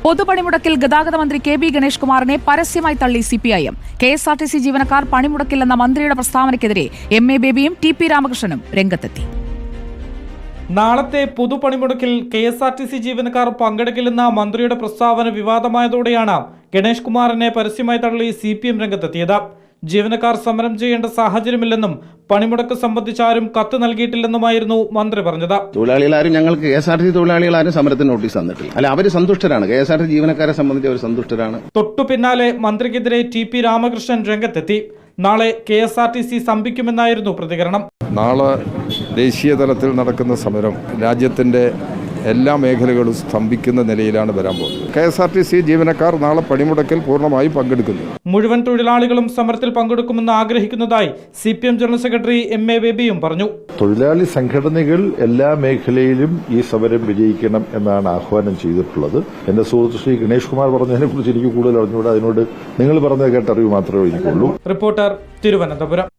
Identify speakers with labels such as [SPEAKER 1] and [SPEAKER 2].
[SPEAKER 1] പൊതുപണിമുടക്കിൽ ഗതാഗത മന്ത്രി K B Ganesh കുമാറിനെ പരസ്യമായി തള്ളി സിപിഐഎം. കെഎസ്ആർടിസി ജീവനക്കാർ പണിമുടക്കില്ലെന്ന മന്ത്രിയുടെ പ്രസ്താവനയ്ക്കെതിരെ എം എ ബേബിയും ടി പി രാമകൃഷ്ണനും രംഗത്തെത്തി.
[SPEAKER 2] നാളത്തെ പൊതുപണിമുടക്കിൽ കെഎസ്ആർടിസി ജീവനക്കാർ പങ്കെടുക്കില്ലെന്ന മന്ത്രിയുടെ പ്രസ്താവന വിവാദമായതോടെയാണ് ഗണേഷ് കുമാറിനെ പരസ്യമായി തള്ളി സിപിഎം രംഗത്തെത്തിയത്. ജീവനക്കാർ സമരം ചെയ്യേണ്ട സാഹചര്യമില്ലെന്നും പണിമുടക്ക് സംബന്ധിച്ചാരും കത്ത് നൽകിയിട്ടില്ലെന്നുമായിരുന്നു മന്ത്രി പറഞ്ഞത്.
[SPEAKER 3] തൊഴിലാളികളാരും ഞങ്ങൾക്ക് കെഎസ്ആർടിസി തൊഴിലാളികളാരും സമരത്തിന് നോട്ടീസ് തന്നിട്ടില്ല. അല്ല, അവർ സന്തുഷ്ടരാണ്. കെഎസ്ആർടിസി ജീവനക്കാരെ സംബന്ധിച്ച് അവർ സന്തുഷ്ടരാണ്.
[SPEAKER 2] തൊട്ടു പിന്നാലെ മന്ത്രിക്കെതിരെ ടി പി രാമകൃഷ്ണൻ രംഗത്തെത്തി. നാളെ കെഎസ്ആർടിസി സ്തംഭിക്കുമെന്നായിരുന്നു പ്രതികരണം.
[SPEAKER 4] നാളെ ദേശീയ തലത്തിൽ നടക്കുന്ന സമരം രാജ്യത്തിന്റെ എല്ലാ മേഖലകളും സ്തംഭിക്കുന്ന നിലയിലാണ് വരാൻ പോകുന്നത്. കെഎസ്ആർടിസി ജീവനക്കാർ നാളെ പണിമുടക്കിൽ പൂർണ്ണമായും പങ്കെടുക്കുന്നു.
[SPEAKER 2] മുഴുവൻ തൊഴിലാളികളും സമരത്തിൽ പങ്കെടുക്കുമെന്ന് ആഗ്രഹിക്കുന്നതായി CPM general secretary M A ബേബിയും പറഞ്ഞു.
[SPEAKER 5] തൊഴിലാളി സംഘടനകൾ എല്ലാ മേഖലയിലും ഈ സമരം വിജയിക്കണം എന്നാണ് ആഹ്വാനം ചെയ്തിട്ടുള്ളത്. എന്റെ സുഹൃത്ത് ശ്രീ ഗണേഷ് കുമാർ പറഞ്ഞതിനെ കുറിച്ച് എനിക്ക് കൂടുതൽ അറിഞ്ഞുകൂടാ. അതിനോട് നിങ്ങൾ പറഞ്ഞത് കേട്ടറിവ് മാത്രമേ എനിക്കുള്ളൂ.
[SPEAKER 2] റിപ്പോർട്ടർ, തിരുവനന്തപുരം.